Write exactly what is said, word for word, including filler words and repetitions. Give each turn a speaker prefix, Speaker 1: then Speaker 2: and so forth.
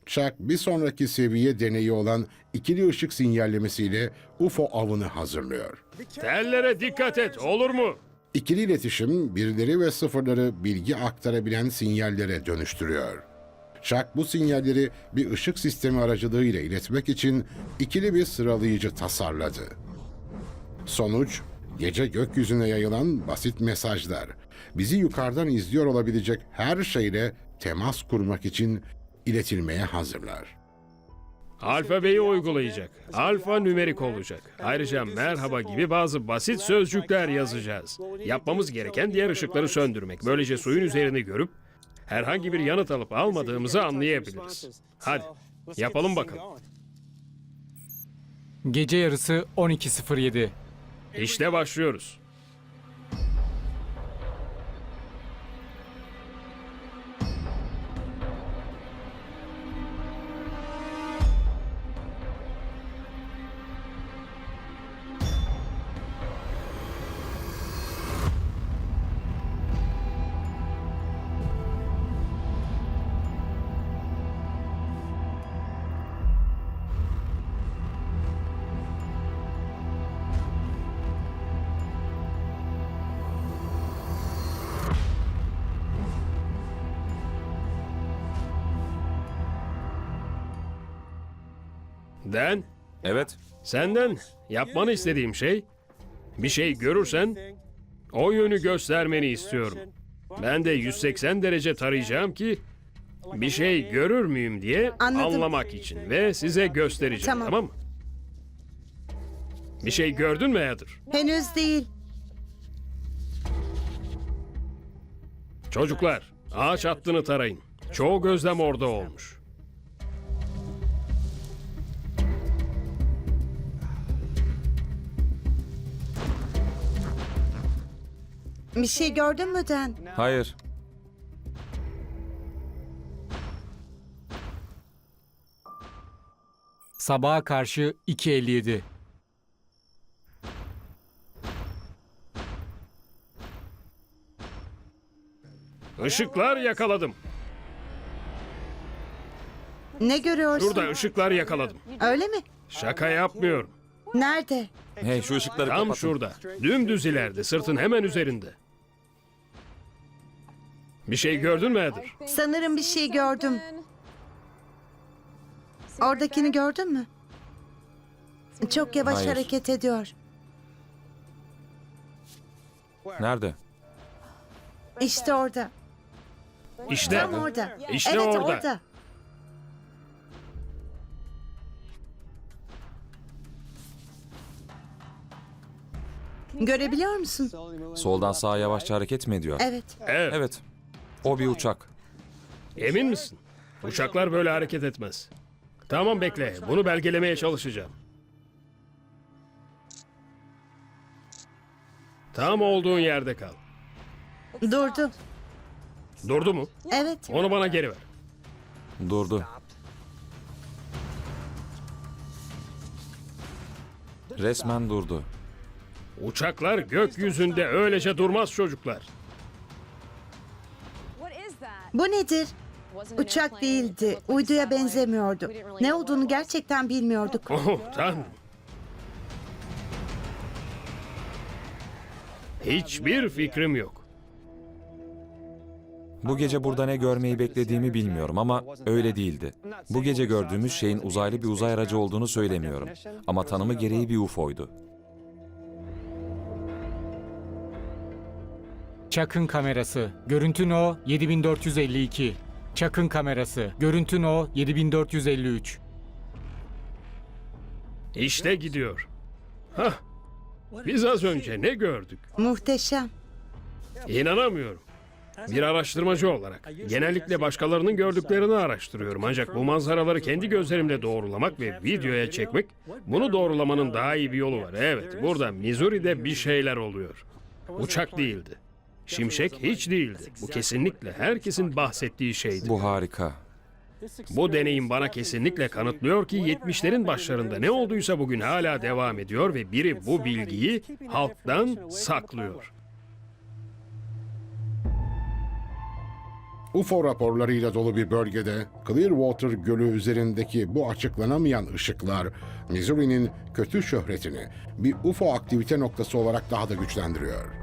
Speaker 1: Chuck bir sonraki seviye deneyi olan ikili ışık sinyallemesiyle U F O avını hazırlıyor.
Speaker 2: Tellere dikkat et, olur mu?
Speaker 1: İkili iletişim birleri ve sıfırları bilgi aktarabilen sinyallere dönüştürüyor. Chuck bu sinyalleri bir ışık sistemi aracılığıyla iletmek için ikili bir sıralayıcı tasarladı. Sonuç, gece gökyüzüne yayılan basit mesajlar. Bizi yukarıdan izliyor olabilecek her şeyle temas kurmak için iletilmeye hazırlar.
Speaker 2: Alfabeyi uygulayacak. Alfa nümerik olacak. Ayrıca merhaba gibi bazı basit sözcükler yazacağız. Yapmamız gereken diğer ışıkları söndürmek. Böylece suyun üzerini görüp herhangi bir yanıt alıp almadığımızı anlayabiliriz. Hadi yapalım bakalım.
Speaker 3: Gece yarısı on iki sıfır yedi.
Speaker 2: İşte başlıyoruz. Dan,
Speaker 4: Evet.
Speaker 2: senden yapmanı istediğim şey, bir şey görürsen o yönü göstermeni istiyorum. Ben de yüz seksen derece tarayacağım ki bir şey görür müyüm diye
Speaker 5: Anladım.
Speaker 2: anlamak için ve size göstereceğim,
Speaker 5: Tamam.
Speaker 2: tamam mı? Bir şey gördün mü Heather?
Speaker 5: Henüz değil.
Speaker 2: Çocuklar, ağaç hattını tarayın. Çoğu gözlem orada olmuş.
Speaker 5: Bir şey gördün mü Dan?
Speaker 4: Hayır.
Speaker 3: Sabaha karşı iki elli yedi.
Speaker 2: Işıklar yakaladım.
Speaker 5: Ne görüyorsun?
Speaker 2: Şurada ışıklar yakaladım.
Speaker 5: Öyle mi?
Speaker 2: Şaka yapmıyorum.
Speaker 5: Nerede?
Speaker 4: Hey, şu ışıkları
Speaker 2: Tam
Speaker 4: kapatın.
Speaker 2: şurada. Dümdüz ileride, sırtın hemen üzerinde. Bir şey gördün mü Heather?
Speaker 5: Sanırım bir şey gördüm. Oradakini gördün mü? Çok yavaş
Speaker 4: Hayır.
Speaker 5: hareket ediyor.
Speaker 4: Nerede?
Speaker 5: İşte orada.
Speaker 2: İşte.
Speaker 5: Tam orada.
Speaker 2: İşte
Speaker 5: evet
Speaker 2: orada.
Speaker 5: orada. Görebiliyor musun?
Speaker 4: Soldan sağa yavaşça hareket mi ediyor?
Speaker 5: Evet.
Speaker 2: Evet.
Speaker 4: Evet. O bir uçak.
Speaker 2: Emin misin? Uçaklar böyle hareket etmez. Tamam bekle. Bunu belgelemeye çalışacağım. Tam olduğun yerde kal.
Speaker 5: Durdu.
Speaker 2: Durdu mu?
Speaker 5: Evet.
Speaker 2: Onu bana geri ver.
Speaker 4: Durdu. Resmen durdu.
Speaker 2: Uçaklar gökyüzünde öylece durmaz çocuklar.
Speaker 5: Bu nedir? Uçak değildi. Uyduya benzemiyordu. Ne olduğunu gerçekten bilmiyorduk.
Speaker 2: Oh tanrım. Hiçbir fikrim yok.
Speaker 4: Bu gece burada ne görmeyi beklediğimi bilmiyorum ama öyle değildi. Bu gece gördüğümüz şeyin uzaylı bir uzay aracı olduğunu söylemiyorum. Ama tanımı gereği bir U F O'ydu.
Speaker 3: Chuck'ın kamerası. Görüntü No yedi bin dört yüz elli iki. Chuck'ın kamerası. Görüntü No yedi bin dört yüz elli üç.
Speaker 2: İşte gidiyor. Hah. Biz az önce ne gördük?
Speaker 5: Muhteşem.
Speaker 2: İnanamıyorum. Bir araştırmacı olarak genellikle başkalarının gördüklerini araştırıyorum. Ancak bu manzaraları kendi gözlerimle doğrulamak ve videoya çekmek, bunu doğrulamanın daha iyi bir yolu var. Evet, burada Missouri'de bir şeyler oluyor. Uçak değildi. Şimşek hiç değildi. Bu kesinlikle herkesin bahsettiği şeydi.
Speaker 4: Bu harika.
Speaker 2: Bu deneyim bana kesinlikle kanıtlıyor ki yetmişlerin başlarında ne olduysa bugün hala devam ediyor ve biri bu bilgiyi halktan saklıyor.
Speaker 1: U F O raporlarıyla dolu bir bölgede Clearwater Gölü üzerindeki bu açıklanamayan ışıklar Missouri'nin kötü şöhretini bir U F O aktivite noktası olarak daha da güçlendiriyor.